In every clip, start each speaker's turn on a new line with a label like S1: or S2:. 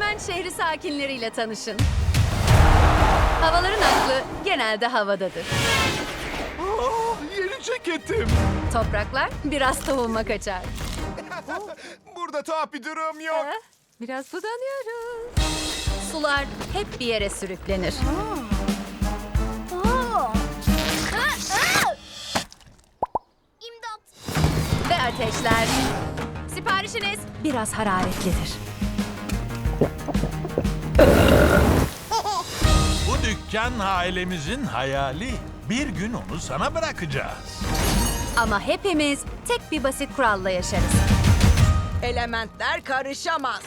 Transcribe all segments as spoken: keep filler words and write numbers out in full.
S1: Hemen şehri sakinleriyle tanışın. Havaların aklı genelde havadadır.
S2: Oh, yeni ceketim.
S1: Topraklar biraz tohuma kaçar.
S2: Burada tuhaf bir durum yok.
S1: Ha, Biraz budanıyoruz. Sular hep bir yere sürüklenir.
S3: İmdat.
S1: Ve ateşler. Siparişiniz biraz hararetlidir.
S4: Bu dükkan ailemizin hayali. Bir gün onu sana bırakacağız.
S1: Ama hepimiz tek bir basit kuralla yaşarız.
S5: Elementler karışamaz.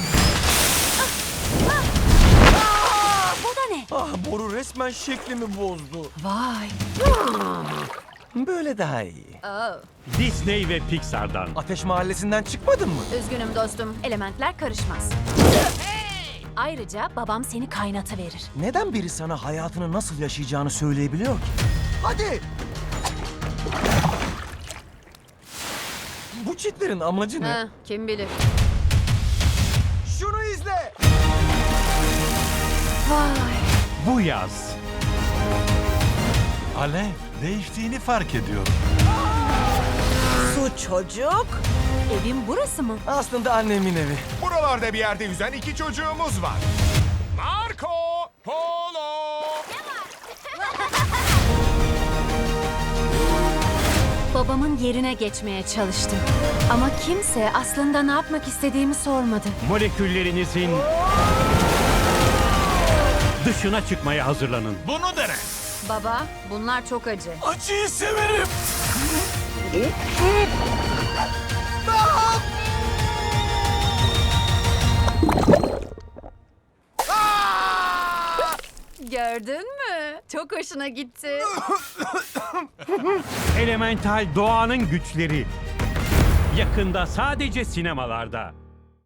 S1: Bu da ne?
S6: Ah, boru resmen şeklimi bozdu.
S1: Vay.
S6: Böyle daha iyi.
S1: Oh.
S7: Disney ve Pixar'dan.
S6: Ateş Mahallesi'nden çıkmadın mı?
S1: Üzgünüm dostum. Elementler karışmaz. Ayrıca babam seni kaynatıverir.
S6: Neden biri sana hayatını nasıl yaşayacağını söyleyebiliyor ki? Hadi! Bu çitlerin amacı ne?
S1: Ha, kim bilir.
S6: Şunu izle!
S1: Vay.
S7: Bu yaz
S4: Alev, değiştiğini fark ediyorum.
S5: Su çocuk.
S1: Evin burası mı?
S6: Aslında annemin evi.
S2: Buralarda bir yerde yüzen iki çocuğumuz var. Marco Polo.
S1: Babamın yerine geçmeye çalıştım. Ama kimse aslında ne yapmak istediğimi sormadı.
S7: moleküllerinizin dışına çıkmaya hazırlanın.
S4: Bunu dene.
S1: Baba, bunlar çok acı.
S6: Acıyı severim.
S1: Gördün mü? Çok hoşuna gitti.
S7: Elemental doğanın güçleri. Yakında sadece sinemalarda.